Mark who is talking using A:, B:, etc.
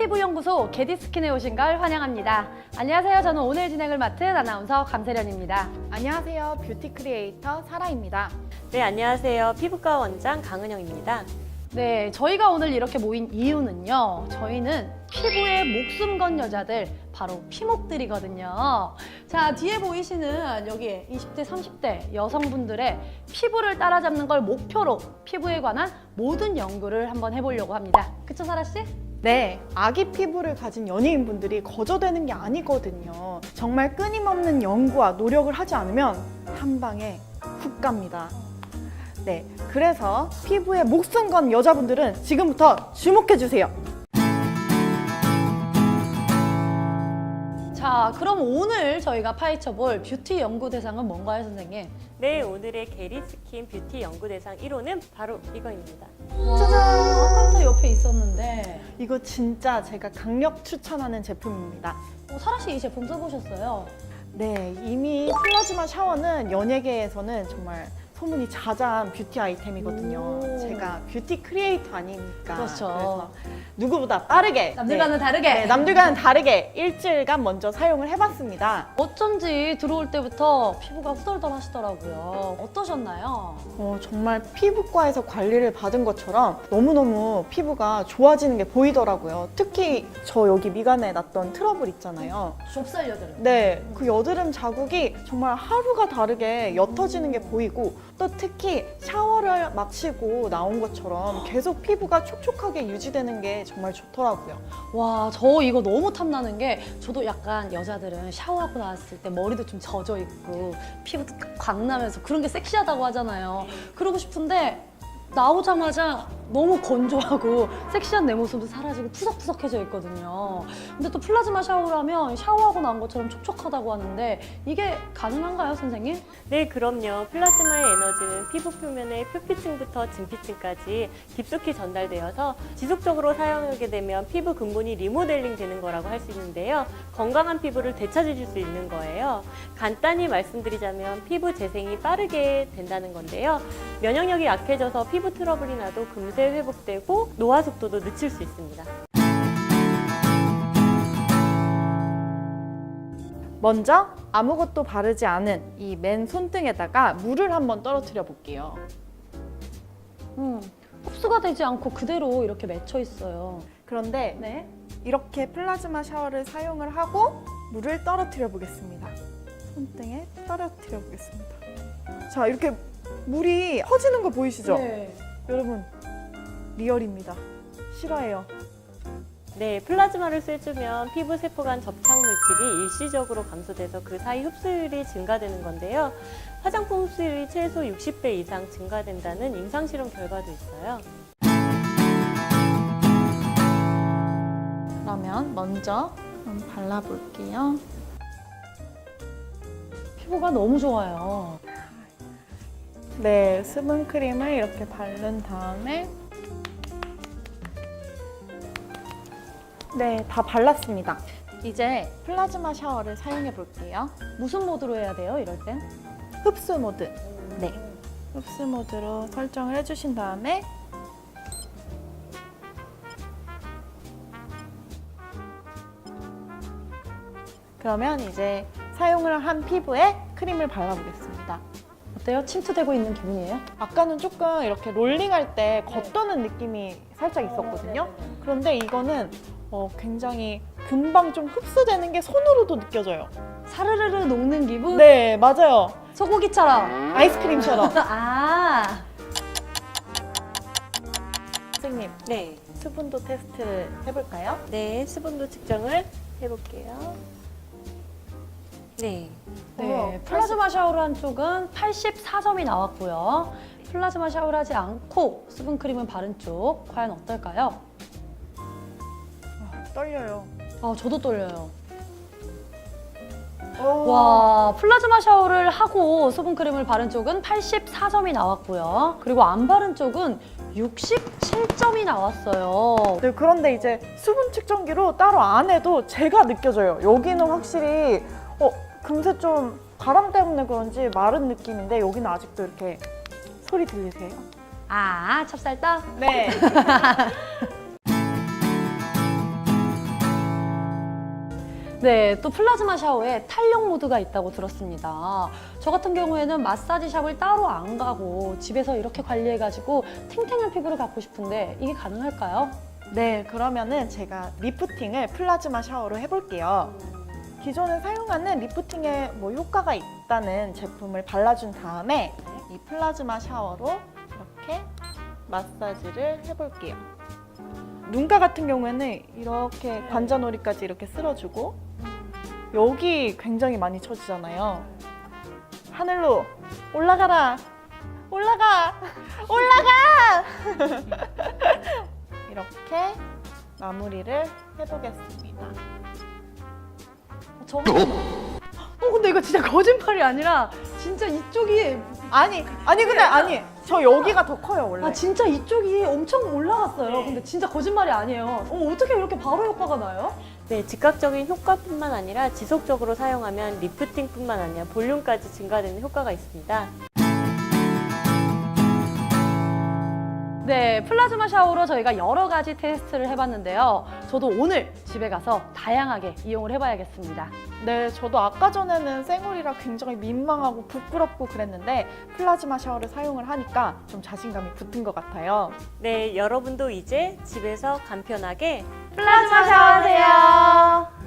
A: 피부연구소 게디스킨에 오신 걸 환영합니다. 안녕하세요. 저는 오늘 진행을 맡은 아나운서 감세련입니다.
B: 안녕하세요. 뷰티 크리에이터 사라입니다.
C: 네, 안녕하세요. 피부과 원장 강은영입니다.
A: 네, 저희가 오늘 이렇게 모인 이유는요. 저희는 피부에 목숨 건 여자들, 바로 피목들이거든요. 자, 뒤에 보이시는 여기 20대, 30대 여성분들의 피부를 따라잡는 걸 목표로 피부에 관한 모든 연구를 한번 해보려고 합니다. 그쵸, 사라씨?
B: 네, 아기 피부를 가진 연예인분들이 거저되는 게 아니거든요. 정말 끊임없는 연구와 노력을 하지 않으면 한 방에 훅 갑니다. 네, 그래서 피부에 목숨 건 여자분들은 지금부터 주목해주세요.
A: 자, 그럼 오늘 저희가 파헤쳐볼 뷰티 연구 대상은 뭔가요, 선생님?
C: 네, 오늘의 게리스킨 뷰티 연구대상 1호는 바로 이거입니다.
A: 짜잔! 아까부터 옆에 있었는데
B: 이거 진짜 제가 강력 추천하는 제품입니다.
A: 사라씨 이 제품 써보셨어요?
B: 네, 이미 플라즈마 샤워는 연예계에서는 정말 소문이 자자한 뷰티 아이템이거든요.
A: 오.
B: 제가 뷰티 크리에이터 아닙니까?
A: 그렇죠.
B: 그래서 누구보다 빠르게
A: 남들과는 다르게.
B: 네, 남들과는 다르게 일주일간 먼저 사용을 해봤습니다.
A: 어쩐지 들어올 때부터 피부가 후덜덜 하시더라고요. 어떠셨나요?
B: 정말 피부과에서 관리를 받은 것처럼 너무너무 피부가 좋아지는 게 보이더라고요. 특히 저 여기 미간에 났던 트러블 있잖아요.
A: 좁쌀 여드름.
B: 네, 그 여드름 자국이 정말 하루가 다르게 옅어지는 게 보이고 또 특히 샤워를 마치고 나온 것처럼 계속 피부가 촉촉하게 유지되는 게 정말 좋더라고요.
A: 와, 저 이거 너무 탐나는 게 저도 약간 여자들은 샤워하고 나왔을 때 머리도 좀 젖어 있고 피부도 광나면서 그런 게 섹시하다고 하잖아요. 그러고 싶은데 나오자마자 너무 건조하고 섹시한 내 모습도 사라지고 푸석푸석해져 있거든요. 근데 또 플라즈마 샤워를 하면 샤워하고 나온 것처럼 촉촉하다고 하는데 이게 가능한가요, 선생님?
C: 네, 그럼요. 플라즈마의 에너지는 피부 표면의 표피층부터 진피층까지 깊숙이 전달되어서 지속적으로 사용하게 되면 피부 근본이 리모델링 되는 거라고 할 수 있는데요. 건강한 피부를 되찾으실 수 있는 거예요. 간단히 말씀드리자면 피부 재생이 빠르게 된다는 건데요. 면역력이 약해져서 피부 트러블이 나도 금세 회복되고 노화 속도도 늦출 수 있습니다.
B: 먼저 아무것도 바르지 않은 이 맨 손등에다가 물을 한번 떨어뜨려 볼게요.
A: 흡수가 되지 않고 그대로 이렇게 맺혀 있어요.
B: 그런데
A: 네.
B: 이렇게 플라즈마 샤워를 사용을 하고 물을 떨어뜨려 보겠습니다. 손등에 떨어뜨려 보겠습니다. 자, 이렇게 물이 퍼지는 거 보이시죠?
A: 네.
B: 여러분, 리얼입니다. 실화예요.
C: 네, 플라즈마를 쐬주면 피부 세포 간 접착 물질이 일시적으로 감소돼서 그 사이 흡수율이 증가되는 건데요. 화장품 흡수율이 최소 60배 이상 증가된다는 임상실험 결과도 있어요.
B: 그러면 먼저 한번 발라볼게요.
A: 피부가 너무 좋아요.
B: 네, 수분 크림을 이렇게 바른 다음에 네, 다 발랐습니다. 이제 플라즈마 샤워를 사용해 볼게요.
A: 무슨 모드로 해야 돼요, 이럴 땐?
B: 흡수 모드. 네, 흡수 모드로 설정을 해주신 다음에 그러면 이제 사용을 한 피부에 크림을 발라보겠습니다.
A: 어때요? 침투되고 있는 기분이에요?
B: 아까는 조금 이렇게 롤링할 때 겉도는 느낌이 살짝 있었거든요. 그런데 이거는 굉장히 금방 좀 흡수되는 게 손으로도 느껴져요.
A: 사르르르 녹는 기분?
B: 네, 맞아요.
A: 소고기처럼.
B: 아이스크림처럼.
A: 아,
B: 선생님,
C: 네,
B: 수분도 테스트를 해볼까요?
C: 네, 수분도 측정을 해볼게요. 네,
A: 네. 플라즈마 샤워를 한 쪽은 84점이 나왔고요. 플라즈마 샤워를 하지 않고 수분크림을 바른 쪽 과연 어떨까요?
B: 떨려요.
A: 아, 저도 떨려요.
B: 와.
A: 와, 플라즈마 샤워를 하고 수분크림을 바른 쪽은 84점이 나왔고요. 그리고 안 바른 쪽은 67점이 나왔어요.
B: 네, 그런데 이제 수분 측정기로 따로 안 해도 제가 느껴져요. 여기는 확실히 금세 좀 바람 때문에 그런지 마른 느낌인데 여기는 아직도 이렇게 소리 들리세요?
A: 아, 찹쌀떡?
B: 네.
A: 네, 또 플라즈마 샤워에 탄력 모드가 있다고 들었습니다. 저 같은 경우에는 마사지 샵을 따로 안 가고 집에서 이렇게 관리해가지고 탱탱한 피부를 갖고 싶은데 이게 가능할까요?
B: 네, 그러면은 제가 리프팅을 플라즈마 샤워로 해볼게요. 기존에 사용하는 리프팅에 뭐 효과가 있다는 제품을 발라준 다음에 이 플라즈마 샤워로 이렇게 마사지를 해볼게요. 눈가 같은 경우에는 이렇게 관자놀이까지 이렇게 쓸어주고 여기 굉장히 많이 쳐지잖아요. 하늘로 올라가라! 올라가! 올라가! 이렇게 마무리를 해보겠습니다.
A: 근데 이거 진짜 거짓말이 아니라 진짜 이쪽이
B: 아니 근데 아니 저 여기가 더 커요 원래.
A: 아 진짜 이쪽이 엄청 올라갔어요. 근데 진짜 거짓말이 아니에요. 어떻게 이렇게 바로 효과가 나요?
C: 네, 즉각적인 효과뿐만 아니라 지속적으로 사용하면 리프팅뿐만 아니라 볼륨까지 증가되는 효과가 있습니다.
A: 네, 플라즈마 샤워로 저희가 여러 가지 테스트를 해봤는데요. 저도 오늘 집에 가서 다양하게 이용을 해봐야겠습니다.
B: 네, 저도 아까 전에는 생얼이라 굉장히 민망하고 부끄럽고 그랬는데 플라즈마 샤워를 사용을 하니까 좀 자신감이 붙은 것 같아요.
C: 네, 여러분도 이제 집에서 간편하게
A: 플라즈마 샤워하세요.